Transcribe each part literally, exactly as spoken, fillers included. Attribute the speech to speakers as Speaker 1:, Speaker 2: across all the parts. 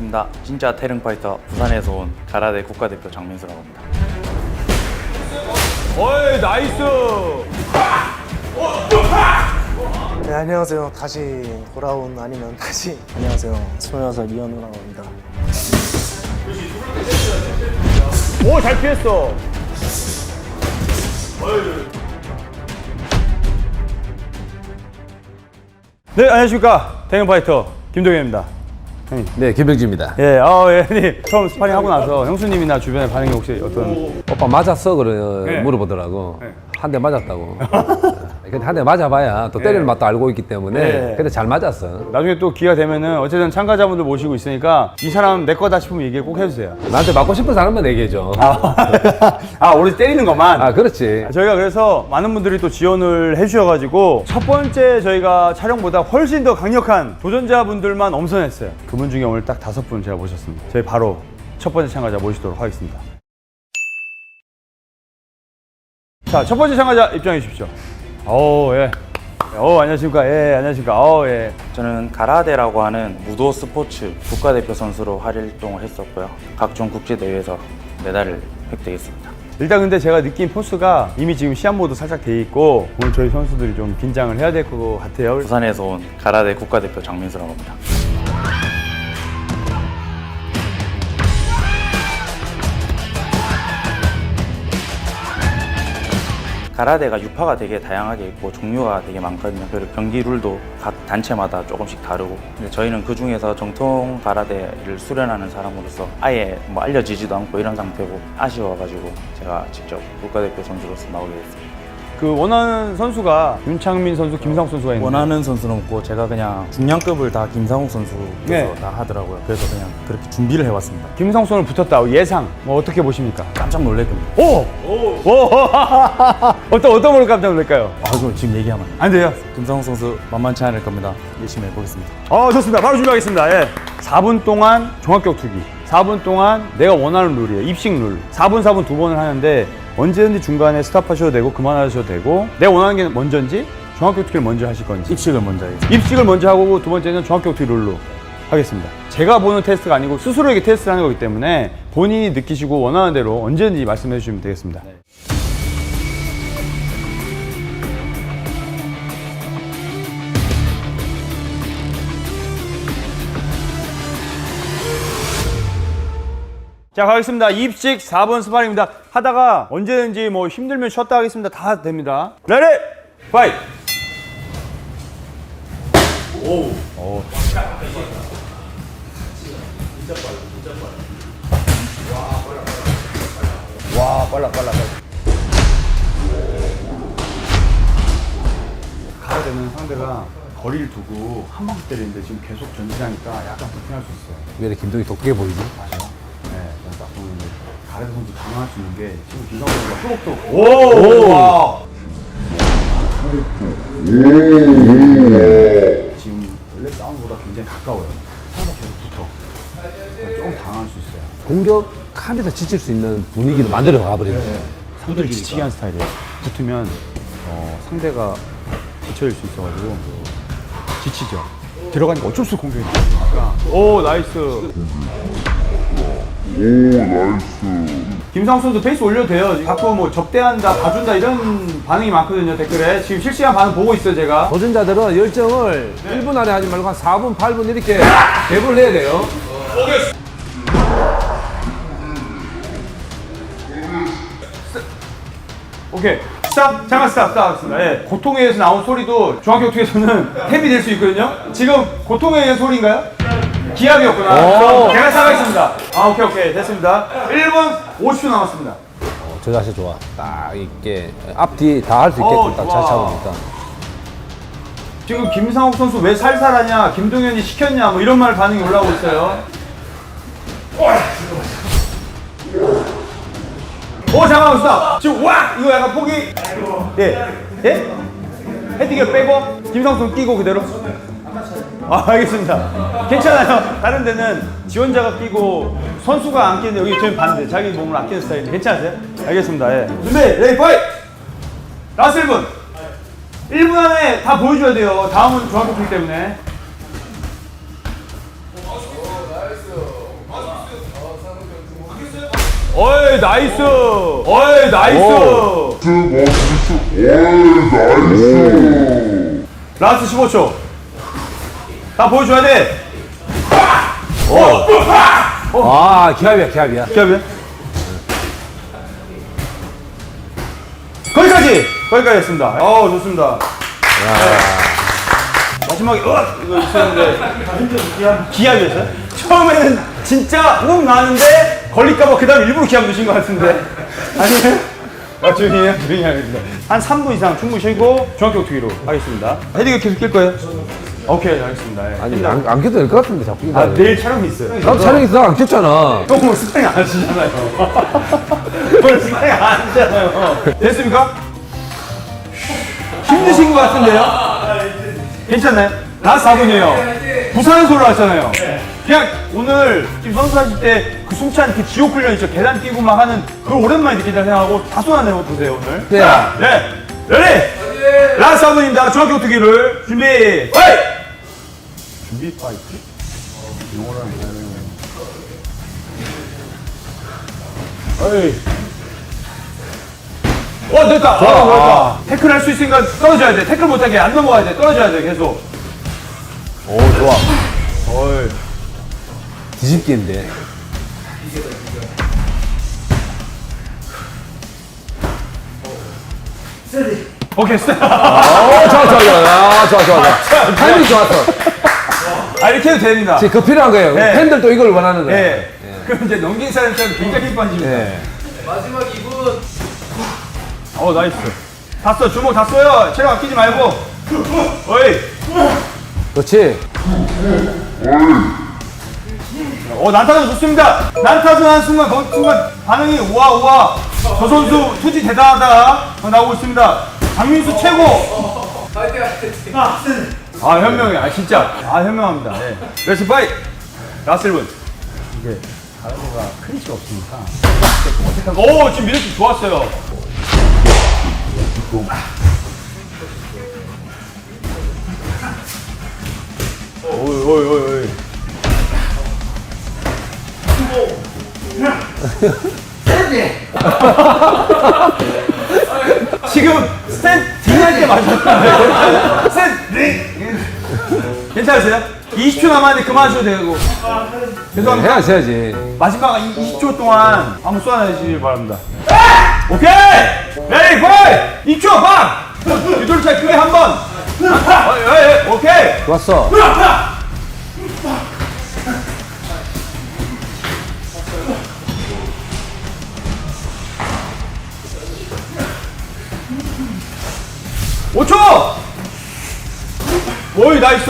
Speaker 1: 반갑습니다. 진짜 태릉파이터 부산에서 온 가라데 국가대표 장민수라고 합니다.
Speaker 2: 어이 나이스.
Speaker 3: 네, 안녕하세요. 다시 돌아온 아니면 다시 안녕하세요. 스물여섯 이현우라고 합니다.
Speaker 2: 오 잘 피했어. 네 안녕하십니까 태릉파이터 김동현입니다. 형님.
Speaker 4: 네, 김병지입니다.
Speaker 2: 예, 아, 예, 형님. 처음 스파링 하고 나서 형수님이나 주변의 반응이 혹시 어떤?
Speaker 4: 오빠 맞았어? 그래
Speaker 2: 네.
Speaker 4: 물어보더라고.
Speaker 2: 네.
Speaker 4: 한 대 맞았다고. 근데 한 대 맞아봐야 또 때리는 맛도 알고 있기 때문에.
Speaker 2: 네.
Speaker 4: 근데 잘 맞았어.
Speaker 2: 나중에 또 기회가 되면은 어쨌든 참가자분들 모시고 있으니까 이 사람 내 거다 싶으면 얘기 꼭 해주세요.
Speaker 4: 나한테 맞고 싶은 사람만 얘기해줘.
Speaker 2: 아, 오로지 때리는 것만.
Speaker 4: 아, 그렇지.
Speaker 2: 저희가 그래서 많은 분들이 또 지원을 해주셔가지고 첫 번째 저희가 촬영보다 훨씬 더 강력한 도전자분들만 엄선했어요. 그분 중에 오늘 딱 다섯 분 제가 모셨습니다. 저희 바로 첫 번째 참가자 모시도록 하겠습니다. 자, 첫 번째 참가자 입장해 주십시오. 오, 예. 오, 안녕하십니까. 예, 안녕하십니까. 오, 예.
Speaker 1: 저는 가라데라고 하는 무도 스포츠 국가대표 선수로 활동을 했었고요. 각종 국제대회에서 메달을 획득했습니다.
Speaker 2: 일단 근데 제가 느낀 포스가 이미 지금 시합 모드 살짝 돼 있고 오늘 저희 선수들이 좀 긴장을 해야 될 것 같아요.
Speaker 1: 부산에서 온 가라데 국가대표 장민수라고 합니다. 가라데가 유파가 되게 다양하게 있고 종류가 되게 많거든요. 그리고 경기 룰도 각 단체마다 조금씩 다르고, 근데 저희는 그 중에서 정통 가라데를 수련하는 사람으로서 아예 뭐 알려지지도 않고 이런 상태고 아쉬워가지고 제가 직접 국가대표 선수로서 나오게 됐습니다.
Speaker 2: 그 원하는 선수가 윤창민 선수, 김상욱 선수가 있는데
Speaker 1: 원하는 선수는 없고 제가 그냥 중량급을 다 김상욱 선수께서
Speaker 2: 네.
Speaker 1: 다 하더라고요. 그래서 그냥 그렇게 준비를 해왔습니다.
Speaker 2: 김상욱 선수 붙었다. 예상 뭐 어떻게 보십니까?
Speaker 1: 깜짝 놀랄 겁니다.
Speaker 2: 오! 오! 오! 어떤 어떤 걸로 깜짝 놀랄까요?
Speaker 1: 아, 그걸 지금 얘기하면
Speaker 2: 안 돼요.
Speaker 1: 김상욱 선수 만만치 않을 겁니다. 열심히 해보겠습니다.
Speaker 2: 어, 좋습니다. 바로 준비하겠습니다. 예. 사 분 동안 종합격투기. 사 분 동안 내가 원하는 룰이에요. 입식 룰. 사 분, 사 분 두 번을 하는데 언제든지 중간에 스탑하셔도 되고 그만하셔도 되고 내가 원하는 게 먼저인지 종합격투기를 먼저 하실 건지
Speaker 1: 입식을 먼저 해야겠습니다.
Speaker 2: 입식을 먼저 하고 두 번째는 종합격투기 룰로 하겠습니다. 제가 보는 테스트가 아니고 스스로에게 테스트를 하는 거기 때문에 본인이 느끼시고 원하는 대로 언제든지 말씀해 주시면 되겠습니다.
Speaker 1: 네.
Speaker 2: 자, 가겠습니다. 입식 사 번 스파링입니다. 하다가 언제든지 뭐 힘들면 쉬었다 하겠습니다. 다 됩니다. 레디 파이트! 오. 오. 와, 빨라, 빨라, 빨라. 가야 되는 상대가 거리를 두고 한 방씩 때리는데 지금 계속 전진하니까 약간 불편할 수 있어요.
Speaker 4: 왜 이렇게 김동이 독하게 보이지?
Speaker 2: 네, 딱 보면 가레드 선수 당황할 수 있는 게 지금 김상훈 선수가 또록또록 오! 와! 지금 원래 싸움보다 굉장히 가까워요. 서로 계속 붙어. 조금 당황할 수 있어요.
Speaker 4: 공격하면서 지칠 수 있는 분위기를 만들어 가버리네.
Speaker 2: 상대를 지치게 하는 스타일이에요. 붙으면 어, 상대가 지쳐질 수 있어가지고 지치죠. 들어가니까 어쩔 수 없이 공격이 나니까. 오, 나이스. 오, 나이스. 김상수 선수 페이스 올려도 돼요. 자꾸 뭐 접대한다, 봐준다 이런 반응이 많거든요, 댓글에. 지금 실시간 반응 보고 있어요, 제가.
Speaker 4: 도전자들은 열정을
Speaker 2: 네.
Speaker 4: 일 분 안에 하지 말고 한 사 분, 팔 분 이렇게 대부를 해야 돼요.
Speaker 2: 오케이. 스탑! 잠깐 스탑! 스탑 하겠습니다. 예. 고통에 의해서 나온 소리도 중학격투기에서는 탭이 될 수 있거든요? 지금 고통에 의한 소리인가요? 기압이었구나. 그럼 제가 스탑하겠습니다. 아, 오케이, 오케이. 됐습니다. 일 분 오십 초 남았습니다.
Speaker 4: 어, 저 자세 좋아. 딱 있게 앞뒤 다 할 수 있게끔
Speaker 2: 어,
Speaker 4: 딱
Speaker 2: 좋아.
Speaker 4: 잘 잡으니까.
Speaker 2: 지금 김상욱 선수 왜 살살하냐, 김동현이 시켰냐, 뭐 이런 말 반응이 올라오고 있어요. 오, 잠깐만, 스탑! 지금, 와! 이거 약간 포기. 예. 예? 헤딩을 빼고, 김상욱 선수 끼고 그대로. 아, 알겠습니다. 괜찮아요. 다른 데는 지원자가 끼고 선수가 안 끼는데 여기 저희 반대. 자기 몸을 아끼는 스타일인데 괜찮으세요? 알겠습니다. 예. 준비, 레디, 파이트! 라스트 일 분. 일 분 안에 다 보여줘야 돼요. 다음은 중학교 때문에. 어이 나이스. 어이 나이스. 라스트 십오 초. 다 보여줘야 돼.
Speaker 4: 아, 기합이야, 기합이야.
Speaker 2: 기합이야? 거기까지! 거기까지 했습니다. 어 좋습니다. 네. 마지막에, 어! 이거 있었는데. 기합이었어요? 처음에는 진짜 욱 나는데 걸릴까봐 그 다음 일부러 기합 넣으신 것 같은데. 아니에요? 아, 조용히 해요. 조용히 하겠습니다. 한 삼 분 이상 충분히 쉬고 중학교 투기로 하겠습니다. 헤딩을 계속 낄 거예요? 오케이, 알겠습니다. 예.
Speaker 4: 아니, 안, 안 켜도 될 것 같은데, 자꾸.
Speaker 2: 아, 내일 촬영이 있어요.
Speaker 4: 나도 촬영 있어, 안 켰잖아.
Speaker 2: 조금 스파링 안 하시잖아요. 오늘 스파링 안 하시잖아요. 됐습니까? 힘드신 것 같은데요? 괜찮나요? 라스트 사 분이에요. 부산에서 올라왔잖아요. 그냥 오늘 지금 선수 하실 때 그 숨찬 그 지옥 훈련 있죠? 계단 뛰고 막 하는 그걸 오랜만에 느낀다 생각하고 다소 안 해보세요, 오늘.
Speaker 4: 네.
Speaker 2: 자, 네. 레디! 라스트 사 분입니다. 중학교 투기를 준비, 파이트! 준비, 파이트? 어이. 어 됐다. 좋아, 어, 좋아. 태클 할 수 있으니까 떨어져야 돼. 태클 못하게 안 넘어가야 돼. 떨어져야 돼 계속.
Speaker 4: 오, 좋아.
Speaker 2: 어이.
Speaker 4: 뒤집기인데.
Speaker 2: 오케이 스탑.
Speaker 4: 오, 좋아, 좋아, 좋아. 아, 좋아, 좋아, 좋아. 타이밍 좋았어.
Speaker 2: 아 이렇게 해도 됩니다.
Speaker 4: 지금 그 필요한 거예요.
Speaker 2: 네.
Speaker 4: 팬들도 이걸 원하는 거예요.
Speaker 2: 예. 그럼 이제 넘긴 사람처럼 굉장히 빠집니다.
Speaker 4: 예.
Speaker 5: 마지막 이 분.
Speaker 2: 어 나이스. 다 써. 주먹 다 써요. 체력 아끼지 말고. 어이.
Speaker 4: 그렇지.
Speaker 2: 어 난타전 좋습니다. 난타전 한 순간 그 순간 반응이 우와 우와. 저 선수 투지 대단하다 나오고 있습니다. 장민수 최고.
Speaker 5: 파이팅 하이팅.
Speaker 2: 아 현명해. 아 진짜. 아 현명합니다. 네. 레츠 파이. 라스트 일 분. 이게 가라데가 크리치가 없으니까. 오 지금 미러키 좋았어요. 오이 오이 오이 오이. 지금 스탠 딩할 때 맞았어요. 스탠 딩. 괜찮으세요? 이십 초 남았는데 그만하셔도 되고. 죄송합니다.
Speaker 4: 해야지, 해야지.
Speaker 2: 마지막 이십 초 동안 한번 쏘아내시길 바랍니다. 오케이! 레디, 파이! 이십 초, 방! 유돌차 크게 한 번! 어, 예, 예, 오케이!
Speaker 4: 좋았어.
Speaker 2: 오 초! 오이, 나이스!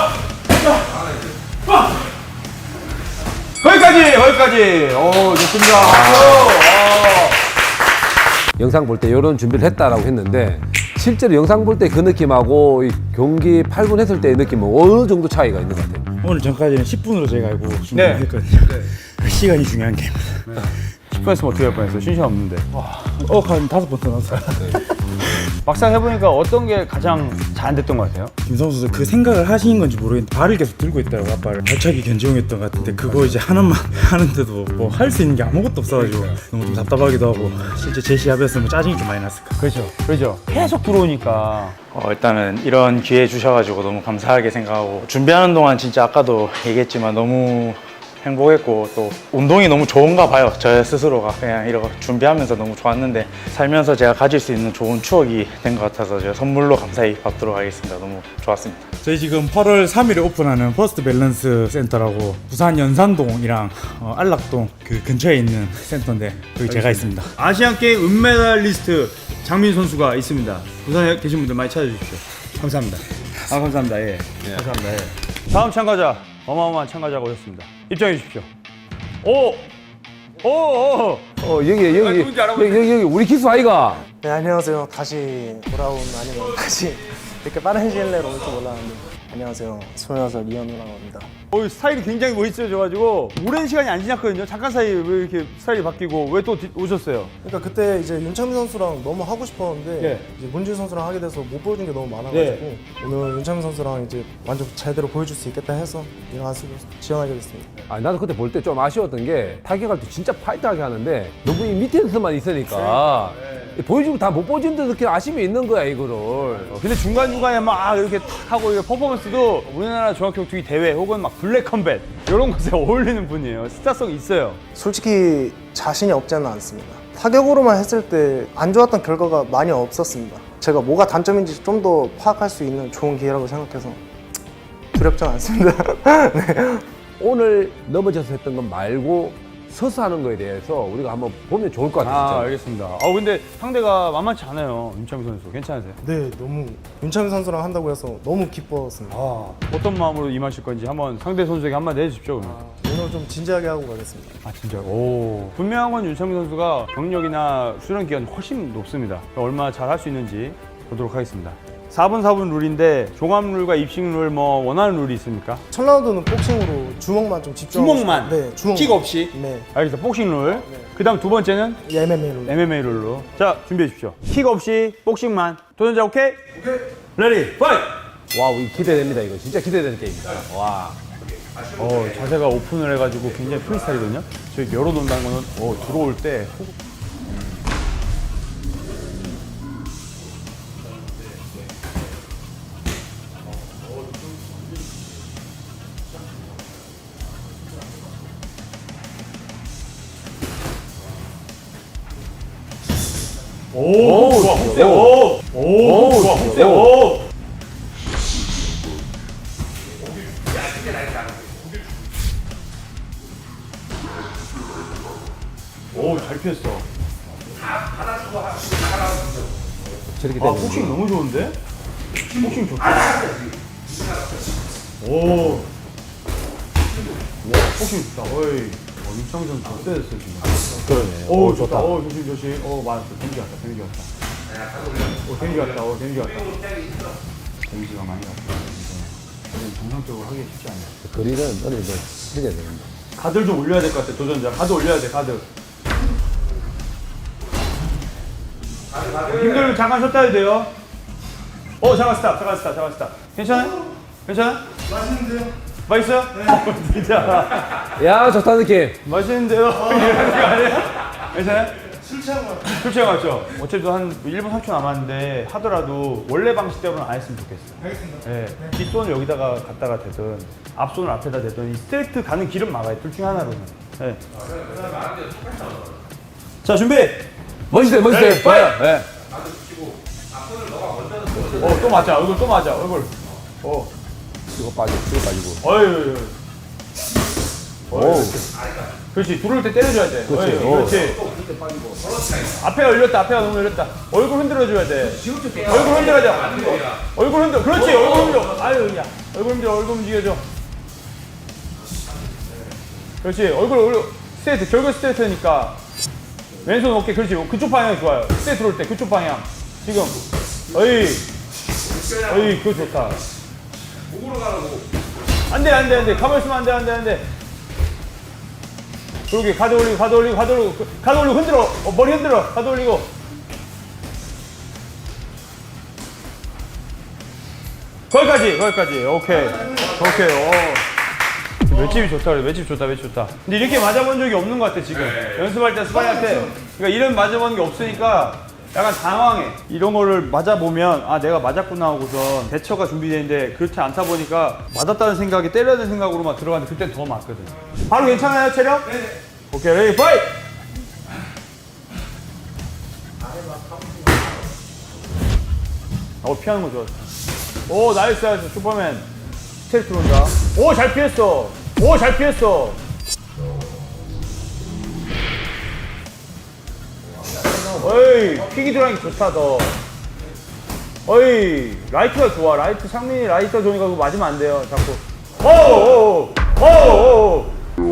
Speaker 2: 거기까지! 거기까지! 오, 좋습니다. 박수!
Speaker 4: 영상 볼 때 이런 준비를 했다라고 했는데 실제로 영상 볼 때 그 느낌하고 이 경기 팔 분 했을 때의 느낌은 어느 정도 차이가 있는 것 같아요?
Speaker 6: 오늘 전까지는 십 분으로 저희가 알고
Speaker 2: 네.
Speaker 6: 준비했거든요. 그 시간이 중요한 게임입니다.
Speaker 2: 십 분 했으면 어떻게 할 뻔했어요? 쉰 시간 없는데.
Speaker 6: 어, 한 다섯 번 더 나왔어요.
Speaker 2: 막상 해보니까 어떤 게 가장 잘 안 됐던 것 같아요?
Speaker 6: 김성수 선수 그 생각을 하신 건지 모르겠는데 발을 계속 들고 있더라고 아빠를. 발차기 견제용이었던 것 같은데 그거 이제 하나만 하는데도 뭐 할 수 있는 게 아무것도 없어가지고 너무 좀 답답하기도 하고 실제 제 시합이었으면 짜증이 좀 많이 났을 거예요.
Speaker 2: 그렇죠. 그렇죠. 계속 들어오니까.
Speaker 1: 어, 일단은 이런 기회 주셔가지고 너무 감사하게 생각하고 준비하는 동안 진짜 아까도 얘기했지만 너무 행복했고 또 운동이 너무 좋은가 봐요. 저 스스로가 그냥 이러고 준비하면서 너무 좋았는데 살면서 제가 가질 수 있는 좋은 추억이 된 것 같아서 제가 선물로 감사히 받도록 하겠습니다. 너무 좋았습니다.
Speaker 6: 저희 지금 팔월 삼일에 오픈하는 퍼스트 밸런스 센터라고 부산 연산동이랑 어, 안락동 그 근처에 있는 센터인데 거기 제가 있습니다.
Speaker 2: 아시안 게임 은메달리스트 장민 선수가 있습니다. 부산에 계신 분들 많이 찾아주십시오. 감사합니다. 아 감사합니다. 예. 감사합니다. 예. 다음 참가자 어마어마한 참가자가 오셨습니다. 입장해 주십시오. 오, 오, 오.
Speaker 4: 어 여기 여기 여기
Speaker 2: 누군지 알아보세요.
Speaker 4: 여기, 여기 우리 기수 아이가.
Speaker 3: 네 안녕하세요. 다시 돌아온 아니면 다시 이렇게 빠른 시일 내로 올 줄 몰랐는데 안녕하세요. 스물여섯 살 이현우라고 합니다.
Speaker 2: 어, 스타일이 굉장히 멋있어져가지고 오랜 시간이 안 지났거든요. 잠깐 사이에 왜 이렇게 스타일이 바뀌고 왜 또 오셨어요?
Speaker 3: 그러니까 그때 이제 윤창민 선수랑 너무 하고 싶었는데
Speaker 2: 예.
Speaker 3: 이제 문진 선수랑 하게 돼서 못 보여준 게 너무 많아가지고 오늘 윤창민 선수랑 이제 완전 제대로 보여줄 수 있겠다 해서 이랑하수로 지원하게 됐습니다.
Speaker 4: 아, 나도 그때 볼 때 좀 아쉬웠던 게 타격할 때 진짜 파이트하게 하는데 너무 이 밑에서만 있으니까 보여주고 다 못 보여준 듯 느끼는 아쉬움이 있는 거야 이거를.
Speaker 2: 어, 근데 중간중간에 막 이렇게 탁 하고 이게 퍼포먼스도 우리나라 종합격투기 대회 혹은 막 블랙 컴뱃 이런 것에 어울리는 분이에요. 스타성이 있어요.
Speaker 3: 솔직히 자신이 없지는 않습니다. 타격으로만 했을 때 안 좋았던 결과가 많이 없었습니다. 제가 뭐가 단점인지 좀 더 파악할 수 있는 좋은 기회라고 생각해서 두렵지 않습니다. 네.
Speaker 4: 오늘 넘어져서 했던 건 말고 서서 하는 거에 대해서 우리가 한번 보면 좋을 것 같아요.
Speaker 2: 아,
Speaker 4: 진짜.
Speaker 2: 알겠습니다. 아, 근데 상대가 만만치 않아요. 윤창민 선수. 괜찮으세요?
Speaker 3: 네, 너무 윤창민 선수랑 한다고 해서 너무 기뻤습니다.
Speaker 2: 아, 어떤 마음으로 임하실 건지 한번 상대 선수에게 한마디 해주십시오. 그러면.
Speaker 3: 오늘 좀 진지하게 하고 가겠습니다.
Speaker 2: 아, 진짜요? 오. 분명한 건 윤창민 선수가 경력이나 수련 기간이 훨씬 높습니다. 얼마나 잘 할 수 있는지 보도록 하겠습니다. 사 분 사 분 룰인데 종합 룰과 입식 룰 뭐 원하는 룰이 있습니까?
Speaker 3: 첫 라운드는 복싱으로 주먹만 좀 집중하고
Speaker 2: 주먹만?
Speaker 3: 싶- 네, 주먹
Speaker 2: 킥 없이?
Speaker 3: 네,
Speaker 2: 알겠습니다. 복싱 룰. 그 다음 두 번째는
Speaker 3: 엠엠에이 룰.
Speaker 2: 엠엠에이 룰로. 자, 준비해 주십시오. 킥 없이 복싱만. 도전자 오케이? 오케이. 레디, 파이트!
Speaker 4: 와우, 이거 기대됩니다. 이거 진짜 기대되는 게임이다. 와.
Speaker 2: 어, 자세가 오픈을 해가지고 굉장히 프리스타일이거든요. 저희 열어놓는다는 거는 어, 들어올 때 호흡. 오, 좋아, 훅세, 오, 오, 좋아, 훅세, 오. 오, 잘 피했어.
Speaker 4: 저렇게
Speaker 2: 아,
Speaker 4: 되는
Speaker 2: 복싱 너무 좋은데? 복싱 좋다. 오. 와, 복싱 좋다. 어이. 어, 윤창민 선수 더 세졌어, 지금.
Speaker 4: 그러네.
Speaker 2: 오, 좋다. 오, 조심, 조심. 오, 맞았어. 데미지 갔다, 데미지 갔다. 오, 데미지 갔다, 오, 데미지 갔다. 데미지가 많이 갔다. 이건 정상적으로 하기 쉽지 않네.
Speaker 4: 거리는 어느 정도 해야 되는데.
Speaker 2: 가드를 좀 올려야 될 것 같아, 도전자. 가드 올려야 돼, 가드. 힘들면 잠깐 쉬었다 해도 돼요. 어, 잠깐 스탑, 잠깐 스탑, 잠깐 스탑. 괜찮아요? 괜찮아요? 맛있는데요? 맛있어요? 네. 진짜.
Speaker 4: 야, 좋다 느낌.
Speaker 2: 맛있는데요? 이런 거 아니에요? 괜찮아요? 술 취한 거 같아요. 술 취한 거 같죠? 어차피 한 일 분 삼 초 남았는데 하더라도 원래 방식대로는 안 했으면 좋겠어요. 알겠습니다. 네. 뒷손을 여기다가 갖다가 대든 앞손을 앞에다 대든 이 스트레이트 가는 길은 막아요. 둘 중에 하나로는. 네. 자, 준비!
Speaker 4: 멋있어요, 멋있어요.
Speaker 2: 네,
Speaker 4: 좋아요. 네.
Speaker 2: 어, 또 맞아. 얼굴 또 맞아. 얼굴. 어.
Speaker 4: 이거 빠지고, 이거 빠지고.
Speaker 2: 어이. 오. 그렇지. 들어올 때 때려줘야 돼.
Speaker 4: 그렇지.
Speaker 2: 어이,
Speaker 4: 어.
Speaker 2: 그렇지. 앞에가 열렸다. 앞에가 너무 열렸다. 얼굴 흔들어줘야 돼. 얼굴 흔들어야 돼. 얼굴 흔들어. 그렇지. 얼굴 흔들어. 아유, 야. 얼굴 흔들어. 얼굴 움직여줘. 그렇지. 얼굴, 얼굴. 스트레이트. 결국 스트레이트니까. 왼손 어깨. 그렇지. 그쪽 방향이 좋아요. 스트레이트 들어올 때 그쪽 방향. 지금. 어이. 어이, 그거 좋다. 안 돼, 안 돼, 안 돼. 가만히 있으면 안 돼, 안 돼, 안 돼. 그러게, 가드 올리고, 가드 올리고, 가드 올리고, 그, 가드 올리고, 흔들어. 어, 머리 흔들어. 가드 올리고. 거기까지, 거기까지. 오케이. 오케이, 오. 맷집이 좋다, 그래. 맷집 좋다, 맷집 좋다. 근데 이렇게 맞아본 적이 없는 것 같아, 지금. 연습할 때 스파링 할 때. 그러니까 이런 맞아본 게 없으니까 약간 당황해. 이런 거를 맞아보면 아 내가 맞았구나 하고선 대처가 준비되는데 그렇지 않다 보니까 맞았다는 생각이 때려야 되는 생각으로만 들어가는데 그땐 더 맞거든. 바로 괜찮아요 체력? 네. 오케이 레디 파이트! 어 피하는 거 좋았어. 오 나이스 나이스 슈퍼맨. 스테이트 들어온다. 오 잘 피했어. 오 잘 피했어. 어이 킥이 들어가니 좋다 더. 어이 라이트가 좋아. 라이트 상민이 라이트가 좋으니까 그거 맞으면 안 돼요 자꾸. 오오오 오오오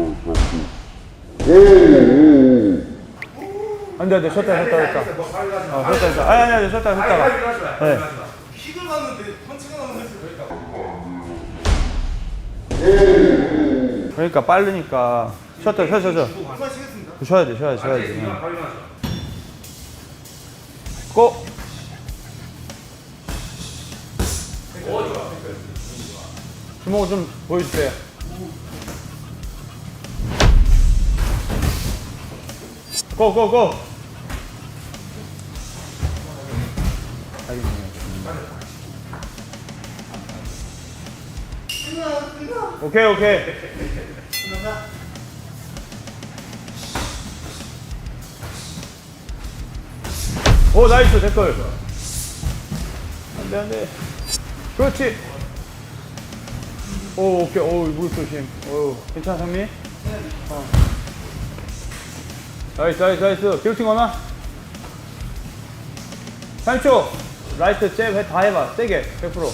Speaker 2: 안돼 안돼 쉬었다 쉬었다 쉬었다. 어 쉬었다 쉬었다. 아니 아니 아니 쉬었다 쉬었다가. 네.
Speaker 5: 킥을 맞는데 펀치가 나오는 게
Speaker 2: 그러니까 빠르니까 쉬었다 쉬어 쉬어 쉬어 쉬어야지 쉬어야지 쉬어야지 고! 주먹을 좀 보여주세요. 고, 고, 고! 오케이, 오케이. 오, 나이스, 댓글. 안 돼, 안 돼. 그렇지. 오, 오케이. 오, 무릎 조심. 오, 괜찮아, 상민? 어. 나이스, 나이스, 나이스. 기로팅 거나? 삼 초. 라이트 잽 해, 다 해봐. 세게. 백 퍼센트.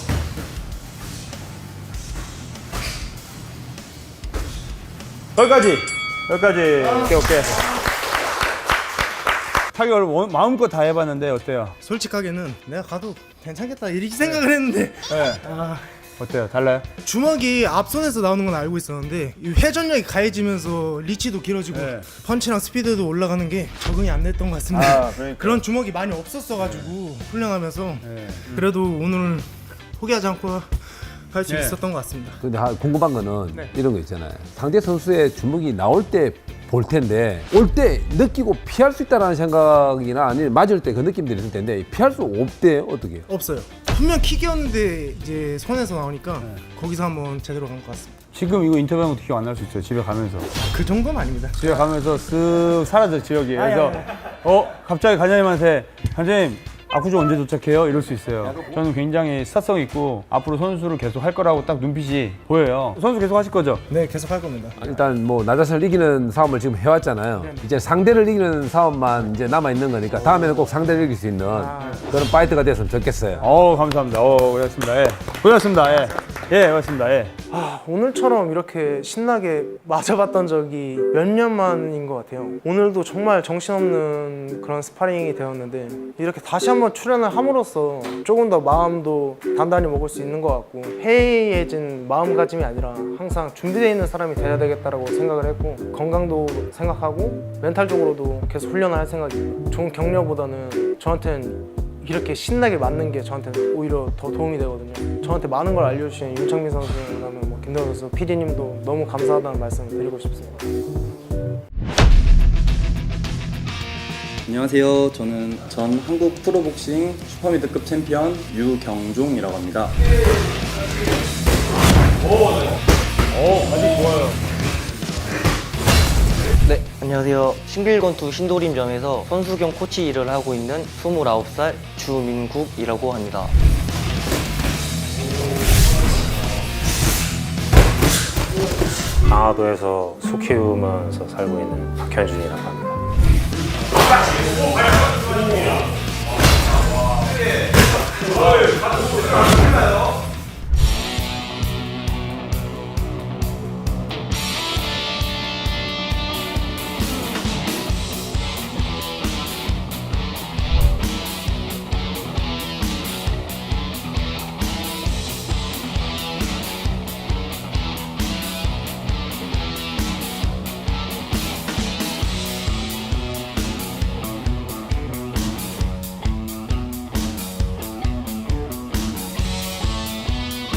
Speaker 2: 여기까지. 여기까지. 오케이, 오케이. 타격을 원- 마음껏 다 해봤는데 어때요?
Speaker 5: 솔직하게는 내가 가도 괜찮겠다 이렇게 생각을 했는데
Speaker 2: 네.
Speaker 5: 아,
Speaker 2: 어때요? 달라요?
Speaker 5: 주먹이 앞손에서 나오는 건 알고 있었는데 이 회전력이 가해지면서 리치도 길어지고
Speaker 2: 네.
Speaker 5: 펀치랑 스피드도 올라가는 게 적응이 안 됐던 것 같습니다.
Speaker 2: 아, 그러니까.
Speaker 5: 그런 주먹이 많이 없었어가지고 훈련하면서
Speaker 2: 네.
Speaker 5: 그래도 오늘 포기하지 않고 할 수
Speaker 2: 네.
Speaker 5: 있었던 것 같습니다.
Speaker 4: 근데 하- 궁금한 거는
Speaker 2: 네.
Speaker 4: 이런 거 있잖아요. 상대 선수의 주먹이 나올 때 볼 텐데 올 때 느끼고 피할 수 있다라는 생각이나 아니면 맞을 때 그 느낌들이 있을 텐데 피할 수 없대요. 어떻게?
Speaker 5: 없어요. 분명 킥이었는데 이제 손에서 나오니까 거기서 한번 제대로 간 것 같습니다.
Speaker 2: 지금 이거 인터뷰한 것도 기억 안 날 수 있어요. 집에 가면서.
Speaker 5: 그 정도는 아닙니다.
Speaker 2: 집에 가면서 쓱 사라져 지역이. 그래서 어 갑자기 관장님한테 관장님 아쿠주 언제 도착해요? 이럴 수 있어요. 저는 굉장히 스타성 있고 앞으로 선수를 계속 할 거라고 딱 눈빛이 보여요. 선수 계속 하실 거죠?
Speaker 5: 네, 계속 할 겁니다.
Speaker 4: 일단 뭐 나 자신을 이기는 싸움을 지금 해왔잖아요. 이제 상대를 이기는 싸움만 이제 남아 있는 거니까 다음에는 꼭 상대를 이길 수 있는 그런 파이트가 됐으면 좋겠어요.
Speaker 2: 어 감사합니다. 어 고맙습니다. 예. 고맙습니다. 예. 예, 고맙습니다. 예.
Speaker 3: 아, 오늘처럼 이렇게 신나게 맞아봤던 적이 몇 년 만인 것 같아요. 오늘도 정말 정신없는 그런 스파링이 되었는데 이렇게 다시 한번 출연을 함으로써 조금 더 마음도 단단히 먹을 수 있는 것 같고 해이해진 마음가짐이 아니라 항상 준비되어 있는 사람이 돼야 되겠다라고 생각을 했고 건강도 생각하고 멘탈적으로도 계속 훈련을 할 생각이에요. 좋은 격려보다는 저한테는 이렇게 신나게 맞는 게 저한테는 오히려 더 도움이 되거든요. 저한테 많은 걸 알려주신 윤창민 선수, 그다음에 뭐 김대호 선수, 피디님도 너무 감사하다는 말씀을 드리고 싶습니다.
Speaker 7: 안녕하세요. 저는 전 한국 프로복싱 슈퍼미드급 챔피언 유경종이라고 합니다.
Speaker 8: 네, 안녕하세요. 신길권투 신도림점에서 선수 겸 코치 일을 하고 있는 스물아홉 살 주민국이라고 합니다.
Speaker 9: 강화도에서 소 키우면서 살고 있는 박현준이라고 합니다.
Speaker 2: 어,